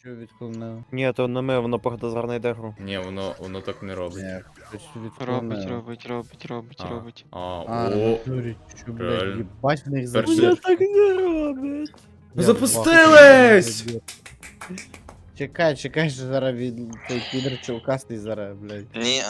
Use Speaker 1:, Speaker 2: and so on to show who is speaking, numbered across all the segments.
Speaker 1: Що відклонив?
Speaker 2: Ні, то не ми, воно походу зараз йде гру.
Speaker 3: Ні, воно так не робить.
Speaker 1: Ні, хтось
Speaker 4: Робить,
Speaker 1: відклонив.
Speaker 3: А,
Speaker 4: робить.
Speaker 3: о,
Speaker 1: натурі, що, блядь,
Speaker 3: реально.
Speaker 1: їбать в них
Speaker 3: Перший.
Speaker 1: забір.
Speaker 2: так не робить.
Speaker 3: Ну запустились!
Speaker 1: Чекай, що зараз від той підер чулкастий зараз, блядь.
Speaker 5: Ні,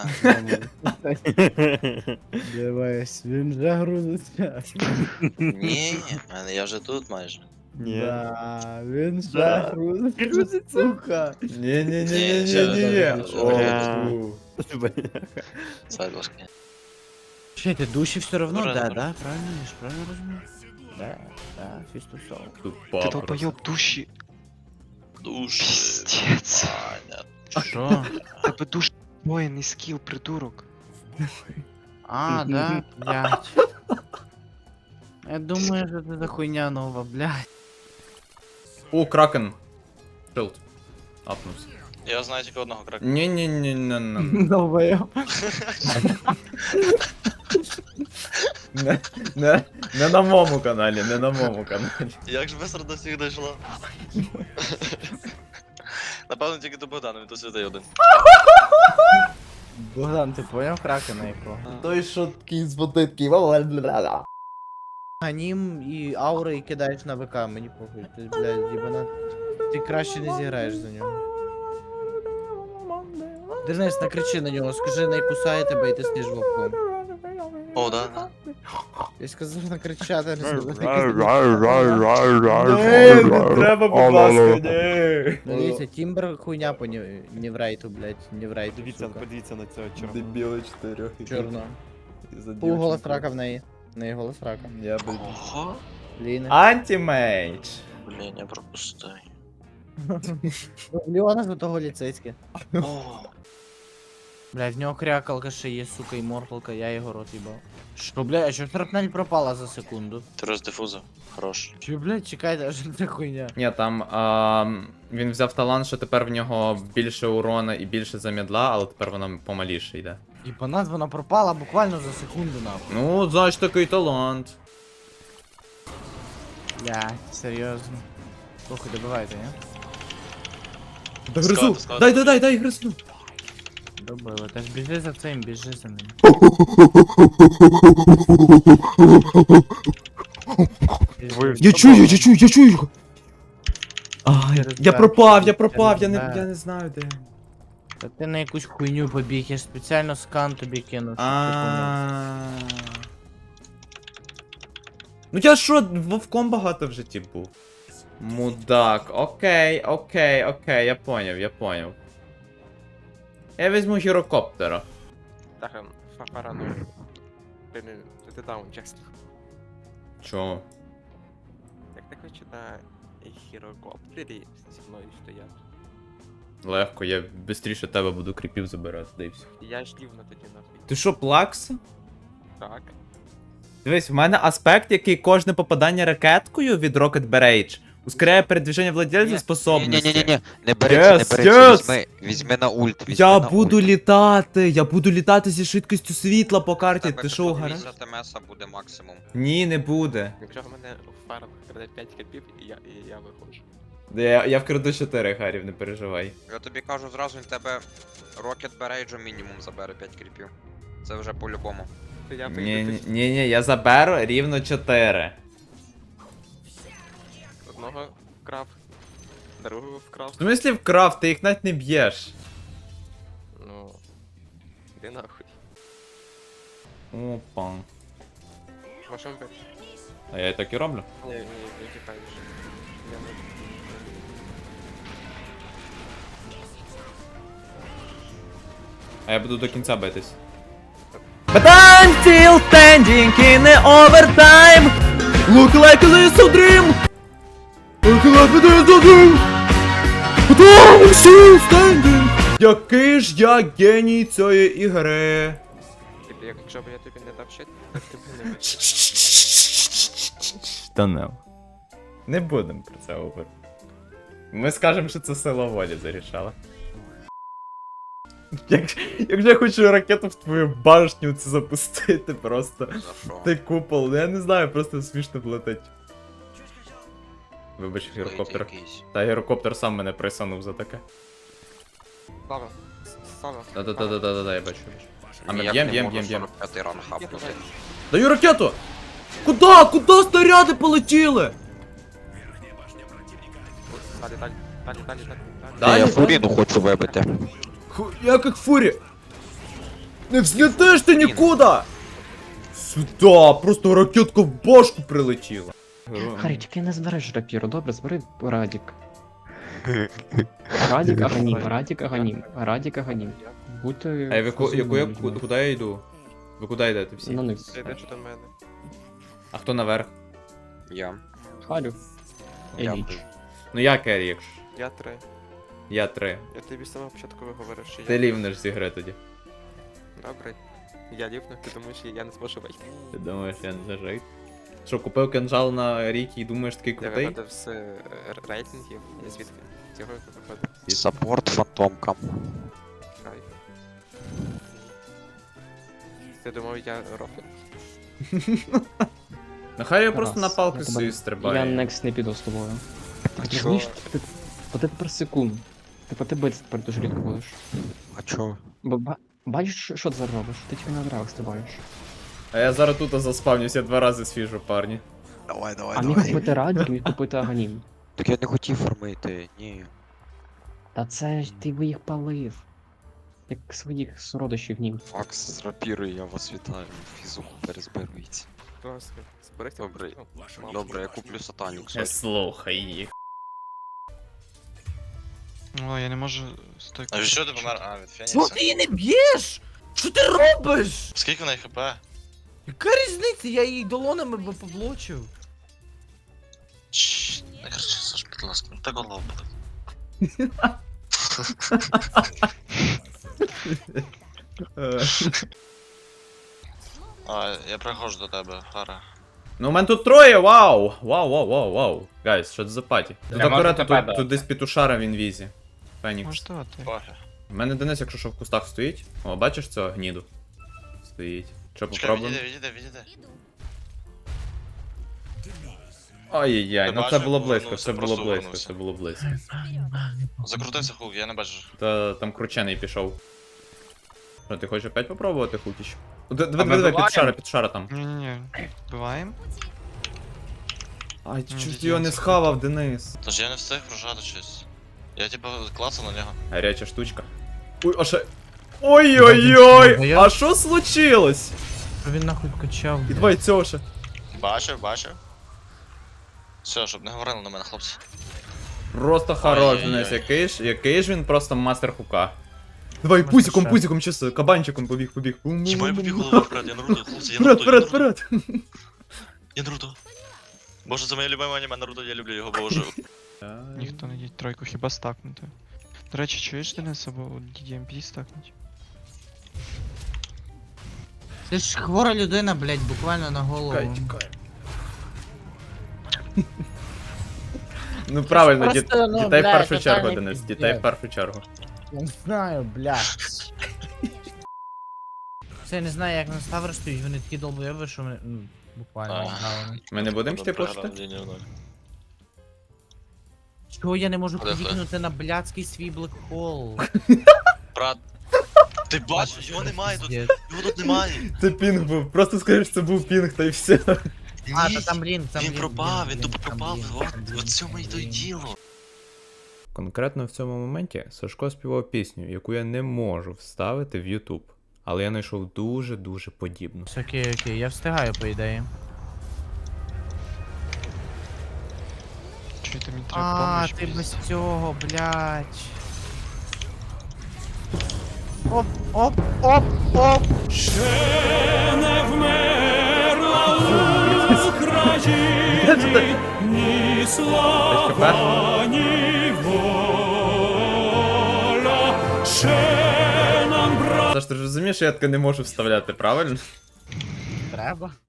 Speaker 1: Дивись, він вже грузиться.
Speaker 5: ні, я вже тут майже.
Speaker 2: Ні.
Speaker 1: Да, він вже
Speaker 2: Да.
Speaker 1: грузиться, сука.
Speaker 3: Ні-ні-ні-ні-ні-ні.
Speaker 5: Ні,
Speaker 3: О,
Speaker 5: Сайдушки.
Speaker 1: Ще ти душі все равно,
Speaker 5: Добре,
Speaker 1: да,
Speaker 5: добре.
Speaker 1: да, правильно, я ж правильно розумію? Да, фістусов.
Speaker 3: тупа
Speaker 4: Ти
Speaker 3: просто.
Speaker 4: долбойоб душі.
Speaker 5: Душі.
Speaker 4: Піздець.
Speaker 5: Ваня.
Speaker 1: Що?
Speaker 4: Тебе душ воєнний скіл, придурок.
Speaker 1: А, да, блядь. Я думаю, що це за хуйня нова, блядь.
Speaker 3: О, кракен. Шилд. Апнувся.
Speaker 5: Я знаю тільки одного крака.
Speaker 3: Ні-ні-ні-ні-ні.
Speaker 1: Новая.
Speaker 3: Не на моєму каналі, не на моєму каналі.
Speaker 5: Як ж быстро до всіх дійшло? Напевно, тільки до Богдана, він тут святий один.
Speaker 1: Богдан, ти поняв кракена якого?
Speaker 3: Той, що такий з водитки.
Speaker 1: Анім і аури і кидаєш на ВК, мені похуй. Ти, блядь, їбана. Ти краще не зіграєш за нього. Денис, накричи на нього, скажи, не кусає тебе і ти стіж вовком.
Speaker 5: О, да.
Speaker 1: Я сказав накричати, не сказав.
Speaker 3: Не треба, будь ласка, ні.
Speaker 1: Дивіться, Тімбер хуйня по Ніврейту, блядь, Ніврейту,
Speaker 2: Дивіться,
Speaker 1: сука.
Speaker 2: подивіться на цього чорного.
Speaker 3: Дебіли 4.
Speaker 1: Чорно. Пул голос рака в неї. В неї голос рака.
Speaker 3: Я би...
Speaker 5: Ого.
Speaker 1: Ліна.
Speaker 3: Антимейдж.
Speaker 5: Блін, я пропустив.
Speaker 1: Ліона золотого ліцейське.
Speaker 5: О,
Speaker 1: Блядь, в нього крякалка ще є, сука, і морфалка, я його рот їбав. Що, блядь, а що шрапнель пропала за секунду?
Speaker 5: ти роздифузив. Хорош.
Speaker 1: Чи, блядь, чекайте, а що це хуйня?
Speaker 3: Ні, там він взяв талант, що тепер в нього більше урона і більше замідла, але тепер вона помаліше йде.
Speaker 1: І по нас вона пропала буквально за секунду, нахуй.
Speaker 3: Ну, знаєш, такий талант.
Speaker 1: Блядь, серйозно. Слухай, добивайте, ні?
Speaker 3: Да
Speaker 5: Складно,
Speaker 3: гризу!
Speaker 5: складно.
Speaker 3: Дай гризну!
Speaker 1: Добили. Та ж біжи за цим, біжи за ним.
Speaker 3: Я чую його! Я пропав, я не знаю де.
Speaker 1: Та ти на якусь хуйню побіг, я ж спеціально скан тобі кинув. щоб ти помив.
Speaker 3: Ну я що, вовком багато в житті був. Мудак, окей, я поняв. Я візьму гірокоптера.
Speaker 6: Так, параную. Ти даун, чесно.
Speaker 3: Чого?
Speaker 6: Як ти хочеш на гірокоптері зі мною стояти?
Speaker 3: Легко, я швидше тебе буду кріпів забирати, да і все.
Speaker 6: Я ж рівно тоді нахуй.
Speaker 3: Ти що, плакса?
Speaker 6: Так.
Speaker 3: Дивись, в мене аспект, який кожне попадання ракеткою від Rocket Barrage ускоряє передвіження владельця способності.
Speaker 7: Ні-ні-ні, не береться, не береться, візьми на ульт, візьми
Speaker 3: Я
Speaker 7: на
Speaker 3: буду
Speaker 7: ульт.
Speaker 3: літати зі швидкістю світла по карті, ти що, гара?
Speaker 7: 50 МС буде максимум.
Speaker 3: Ні, не буде.
Speaker 6: Якщо в мене в фарах краде 5 копів, і я виходжу.
Speaker 3: Я вкраду 4 гарів, не переживай.
Speaker 7: Я тобі кажу зразу, він тебе Rocket Barrage мінімум забере 5 кріпів. Це вже по-любому.
Speaker 6: То я
Speaker 3: Ні, я заберу рівно 4.
Speaker 6: одного вкрав, другого вкрав.
Speaker 3: В смислі вкрав, ти їх навіть не б'єш.
Speaker 6: Ну. Іди нахуй.
Speaker 3: Опа.
Speaker 6: Можемо бити.
Speaker 3: А я і так і роблю.
Speaker 6: Ні, не тікаєш. Я не...
Speaker 3: А я буду до кінця битись. But I'm still standing in the overtime. Look like this a dream. Look like this a dream. But I'm still standing. Який ж я геній цієї ігри.
Speaker 6: Якщо б я тобі не дав щит, так ти б не бив.
Speaker 3: Та не будемо про це говорити. Ми скажемо, що це сила волі зарішала. Якщо я хочу ракету в твою башню це запустити просто.
Speaker 7: За що?
Speaker 3: Ти купол, я не знаю, просто смішно влетить. Вибач, гірокоптер.
Speaker 7: Якийсь.
Speaker 3: Та гірокоптер сам мене присанув за таке.
Speaker 6: Слава. Слава.
Speaker 3: Да-да-да-да-да, я бачу. А ми
Speaker 7: Ніяк
Speaker 3: б'єм,
Speaker 7: не
Speaker 3: б'єм,
Speaker 7: можу
Speaker 3: б'єм, б'єм.
Speaker 7: 45-й ран хапнути.
Speaker 3: Даю ракету! Куда? Куда снаряди полетіли?
Speaker 6: Далі, далі, далі, далі, далі.
Speaker 3: Далі?
Speaker 7: Я фуріну хочу вибити.
Speaker 3: Як їх фурі? Не взлетиш ти нікуди! Сюда, просто ракетка в башку прилетіла.
Speaker 8: Харі, тільки не збереш рапіру, добре, збери Радік. Радік Аганім, Радік Аганім, Радік Аганім. Будьте...
Speaker 3: Ей, ви
Speaker 8: розумними.
Speaker 3: куди я йду? Ви куди йдете всі?
Speaker 8: На низ.
Speaker 6: Ти йдеш до мене.
Speaker 3: А хто наверх?
Speaker 7: Я.
Speaker 8: Харю.
Speaker 7: Я
Speaker 8: Еліч.
Speaker 7: був.
Speaker 3: Ну я керрі, якщо.
Speaker 6: Я 3.
Speaker 3: Я 3.
Speaker 6: Я тобі з самого початку виговорив, що
Speaker 3: Ти
Speaker 6: я...
Speaker 3: лівнеш зі гри тоді.
Speaker 6: Добре. Я лівну, тому що я не зможу вийти.
Speaker 3: Ти думаєш, я не зажив? Що, купив кинжал на ріки і думаєш такий
Speaker 6: Я
Speaker 3: крутий?
Speaker 6: виходив з рейтингів, і звідки? Цього я виходив.
Speaker 7: Саппорт фантомкам.
Speaker 6: Кайф. Ти думав, я рофлю?
Speaker 3: Нехай я просто
Speaker 8: Раз,
Speaker 3: на палки
Speaker 8: я тебе-
Speaker 3: свої
Speaker 8: Я
Speaker 3: стрибаю.
Speaker 8: некст не піду з тобою.
Speaker 7: А
Speaker 8: Ти
Speaker 7: чо?
Speaker 8: розумієш, ти тепер секунд. Ти биться тепер дуже рідко будеш.
Speaker 7: А чо?
Speaker 8: Бачиш, що ти зараз робиш? Ти тільки на драгах стрибаєш.
Speaker 3: А я зараз тут заспавнюсь, я 2 рази свіжу, парні.
Speaker 7: Давай, давай,
Speaker 8: А міг купити Радік, міг купити Аганім.
Speaker 7: Так я не хотів фармити, ні.
Speaker 8: Та це ж ти би їх палив. Як своїх сородичів нім.
Speaker 7: Макс з рапірою, я вас вітаю. Фізуху перезбирується.
Speaker 6: Будь ласка, зберегся.
Speaker 7: Добре. Добре, я куплю сатанік.
Speaker 3: Слухай їх.
Speaker 4: О, я не можу стойку.
Speaker 5: А від що ти помер? А, від
Speaker 1: Чого
Speaker 5: Фенікса.
Speaker 1: ти її не б'єш? Що ти робиш?
Speaker 5: Скільки в неї хп?
Speaker 1: Яка різниця? Я її долонами би поблочив.
Speaker 5: Чш, не кричи, Саш, будь ласка, ну так голова буде. А, я приходжу до тебе, Фара.
Speaker 3: Ну у мене тут 3, вау! Вау. Гайс, що це за паті? Тут
Speaker 1: Я можу
Speaker 3: акуратно,
Speaker 1: тебе
Speaker 3: тут десь петушара в інвізі. Фенікс.
Speaker 4: Може давати.
Speaker 5: Пофіг.
Speaker 3: У мене Денис, якщо що в кустах стоїть. О, бачиш цього гніду? Стоїть. Що
Speaker 5: Чекай,
Speaker 3: попробуємо?
Speaker 5: відійди.
Speaker 3: Ай-яй-яй,
Speaker 5: Ти
Speaker 3: ну це
Speaker 5: бачив,
Speaker 3: було близько,
Speaker 5: повернувся,
Speaker 3: це було
Speaker 5: просто
Speaker 3: близько,
Speaker 5: повернувся.
Speaker 3: це було близько.
Speaker 5: Закрутився хук, я не бачу.
Speaker 3: Та там кручений пішов. Що, ти хочеш опять попробувати хукіч? Диви, петушара там.
Speaker 4: Ні-ні-ні. Вбиваємо.
Speaker 3: Ай,
Speaker 4: Ну,
Speaker 3: чуть
Speaker 4: дідько,
Speaker 3: його не
Speaker 4: це
Speaker 3: схавав, Денис.
Speaker 5: Тож я не встиг прожати щось. Я типа клацав на нього.
Speaker 3: Гаряча штучка. Ой, а ще... Ой-ой-ой!
Speaker 1: Бачиш,
Speaker 3: А що случилось?
Speaker 1: Що він нахуй качав?
Speaker 3: І
Speaker 1: блядь?
Speaker 3: давай цього ще.
Speaker 5: Бачив. Все, щоб не говорили на мене, хлопці.
Speaker 3: Просто хорош,
Speaker 5: Ай-яй-яй.
Speaker 3: Денис, який ж він просто мастер хука. Давай, пузиком, чисто, кабанчиком побіг.
Speaker 5: Хіба я побіг головою вперед, я Наруто, хлопці, я
Speaker 3: Вперед.
Speaker 5: Я Наруто. Боже, це моє любиме аніме Наруто, я люблю його, боже.
Speaker 4: Ніхто не їдь тройку, хіба стакнути. До речі, чуєш Денис, або DDMP стакнуть?
Speaker 1: Ти ж хвора людина, блядь, буквально на голову.
Speaker 3: Ну правильно,
Speaker 1: Просто, ну,
Speaker 3: дітей в
Speaker 1: блядь,
Speaker 3: першу чергу,
Speaker 1: тотальний
Speaker 3: Денис,
Speaker 1: пиздец.
Speaker 3: дітей в першу чергу.
Speaker 1: Я не знаю, блядь. Це я не знаю, як на Ставр стоїть, вони такі долбойоби, що мене, ну, буквально
Speaker 5: А.
Speaker 1: знали.
Speaker 3: Ми не будемо йти
Speaker 5: Програв
Speaker 3: почти?
Speaker 5: лінію ноль.
Speaker 1: Чого я не можу
Speaker 5: Ходи,
Speaker 1: підікнути на блядський свій блекхол?
Speaker 5: Брат, ти бачиш, його немає тут,
Speaker 1: Пиздец.
Speaker 5: його тут немає.
Speaker 3: Це пінг був, просто скажи, що це був пінг, та й все.
Speaker 1: А,
Speaker 5: Ні,
Speaker 1: та там блін, там
Speaker 5: він
Speaker 1: блін,
Speaker 5: пропав,
Speaker 1: блін,
Speaker 5: він тупо
Speaker 1: там
Speaker 5: пропав,
Speaker 1: блін,
Speaker 5: от,
Speaker 1: там блін,
Speaker 5: от цьому і
Speaker 1: там
Speaker 5: то й
Speaker 1: блін.
Speaker 5: діло.
Speaker 3: Конкретно в цьому моменті Сашко співав пісню, яку я не можу вставити в YouTube. Але я знайшов дуже подібну.
Speaker 1: Окей, я встигаю, по ідеї.
Speaker 4: Чуєте, мені треба
Speaker 1: А,
Speaker 4: помощь.
Speaker 1: ти без
Speaker 4: пиздец.
Speaker 1: цього, блядь. Оп.
Speaker 3: Саш, ти ж розумієш, що я таке не можу вставляти, правильно?
Speaker 1: Треба.